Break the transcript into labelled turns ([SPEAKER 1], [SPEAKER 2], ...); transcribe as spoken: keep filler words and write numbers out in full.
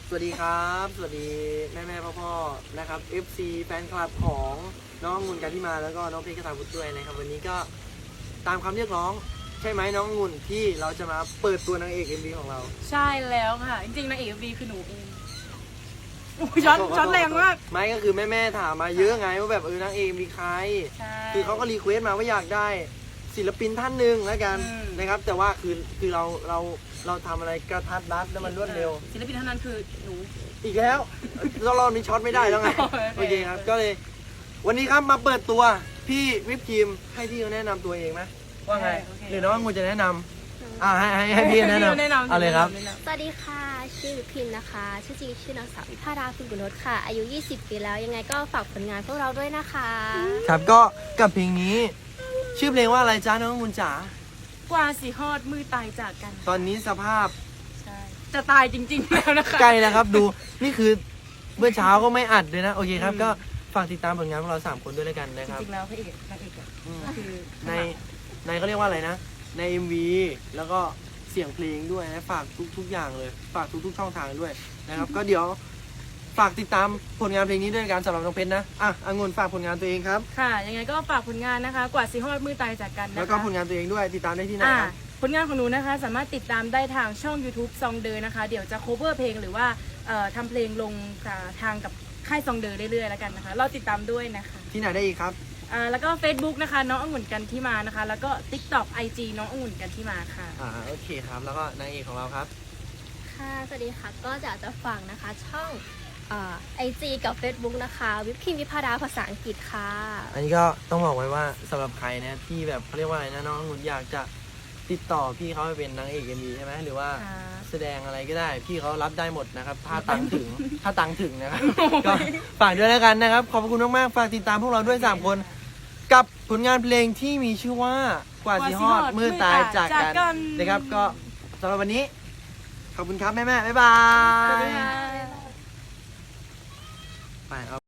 [SPEAKER 1] สวัสดีครับสวัสดีแม่แม่พ่อพ่อนะครับ เอฟ ซี แฟนคลับของน้ององุ่นกันที่มาแล้วก็น้องเพชรกระตาบุตรด้วยนะครับวันนี้ก็ตามคำเรียกร้องใช่ไหมน้ององุ่นที่เราจะมาเปิดตัวนางเอก เอ็ม วี ของเรา
[SPEAKER 2] ใช่แล้วค่ะ จริงๆนางเอกวีคือหนูเองช็อตช็อตแรงมาก
[SPEAKER 1] ไม่ก็คือแม่แม่ถามมาเยอะไงว่าแบบเออนางเอกมีใคร
[SPEAKER 2] ใช่
[SPEAKER 1] คือเขาก็รีเควสต์มาว่าอยากได้ศิลปินท่านหนึ่งแล้วกัน
[SPEAKER 2] อืม
[SPEAKER 1] นะครับแต่ว่าคือคือเราเราเราทำอะไรกระทัดรัดแล้วมันรวดเร็ว
[SPEAKER 2] ศิลปินท่านนั้นคือหนู
[SPEAKER 1] อีกแล้วเรารอบนี้ช็อตไม่ได้แล้วไง
[SPEAKER 2] โอเค
[SPEAKER 1] โอเคครับก็เลยวันนี้ครับมาเปิดตัวพี่วิปครีมให้พี่เขาแนะนำตัวเองไหมว่าไง
[SPEAKER 2] โอเค
[SPEAKER 1] หรือน้ององุ่นจะแนะนำอ่าให้ให้ให้พี่แนะนำ
[SPEAKER 2] แนะนำ
[SPEAKER 1] เอาเลยครับ
[SPEAKER 2] แนะนำ
[SPEAKER 3] สวัสดีค่ะ ชื่อวิพิมนะคะ ชื่อจริงชื่อนางสาววิภาราคุณกุนทค่ะ อายุ ยี่สิบ ปีแล้ว ยังไงก็ฝากผลงานพวกเราด้วยนะคะ
[SPEAKER 1] ครับก็กับเพลงนี้ ชื่อเพลงว่าอะไรจ้าน้ององุ่นจ๋าก
[SPEAKER 2] ว่าสีฮอดมือตายจากกัน
[SPEAKER 1] ตอนนี้สภาพ
[SPEAKER 2] ใช่จะตายจริงๆแล้วนะคะ
[SPEAKER 1] ใกล้แล้วครับดูนี่คือเมื่อเช้าก็ไม่อัดเลยนะโอเคครับ
[SPEAKER 2] อืม
[SPEAKER 1] ก็ฝากติดตามผลงานของเราสามคนด้วยแล้วกันนะ
[SPEAKER 2] จ
[SPEAKER 1] ครับ
[SPEAKER 2] ริงๆแล้วพระเอกนางเอกอะ
[SPEAKER 1] อืม
[SPEAKER 2] ก็คือ
[SPEAKER 1] ในในเขาเรียกว่าอะไรนะ ใน เอ็ม วี แล้วก็เสียงเพลงด้วยนะฝากทุกทุกอย่างเลย ฝากทุกทุกช่องทางด้วยนะครับ ก็เดี๋ยวฝากติดตามผลงานเพลงนี้ด้วยกันสำหรับน้องเพชรนะอ่ะองุ่นฝากผลงานตัวเองครับ
[SPEAKER 2] ค่ะ ยังไงก็ฝากผลงานนะคะ กว่าสีฮอดมือตายจากกันนะคะ
[SPEAKER 1] แล้วก็ผลงานตัวเองด้วยติดตามได้ที่ไหน
[SPEAKER 2] อ่า
[SPEAKER 1] ครับ
[SPEAKER 2] ผลงานของหนูนะคะสามารถติดตามได้ทางช่อง YouTube ซองเดอร์นะคะ เดี๋ยวจะ cover เพลงหรือว่าเอ่อทำเพลงลงทางกับค่ายซองเดอร์เรื่อยๆแล้วกันนะคะเราติดตามด้วยนะคะ
[SPEAKER 1] ที่ไหนได้อีกครับ
[SPEAKER 2] อ่าแล้วก็ Facebook นะคะน้ององุ่นกันที่มานะคะ แล้วก็ TikTok ไอ จี น้ององุ่นกันที่มาค่ะ
[SPEAKER 1] อ่าโอเคครับ แล้วก็นางเอกของเราครับ
[SPEAKER 3] ค่ะ สวัสดีค่ะ ก็จะจะฝากนะคะ ช่องไอจีกับ Facebook นะคะ วิพิมวิภาราภาษาอังกฤษค่ะ
[SPEAKER 1] อันนี้ก็ต้องบอกไว้ว่าสำหรับใครนะที่แบบเขาเรียกว่าอะไรนะน้ององุ่นอยากจะติดต่อพี่เขาไปเป็นนางเอกเอ็มวีใช่ไหมหรือว่า
[SPEAKER 2] ค่ะ
[SPEAKER 1] แสดงอะไรก็ได้ พี่เขารับได้หมดนะครับ ถ้าตังค์ถึง ถ้าตังค์ถึงนะครับ ก็ฝากด้วยแล้วกันนะครับ ขอบคุณมากๆ ฝากติดตามพวกเราด้วย สาม คน กับผลงานเพลงที่มีชื่อว่ากว่าสีฮอดมือตายจากกันนะครับ ก็สำหรับวันนี้ ขอบคุณครับ แม่ๆ บ๊ายบา
[SPEAKER 2] สวัสดี
[SPEAKER 1] ย
[SPEAKER 2] ค่ะ
[SPEAKER 1] ไปเอา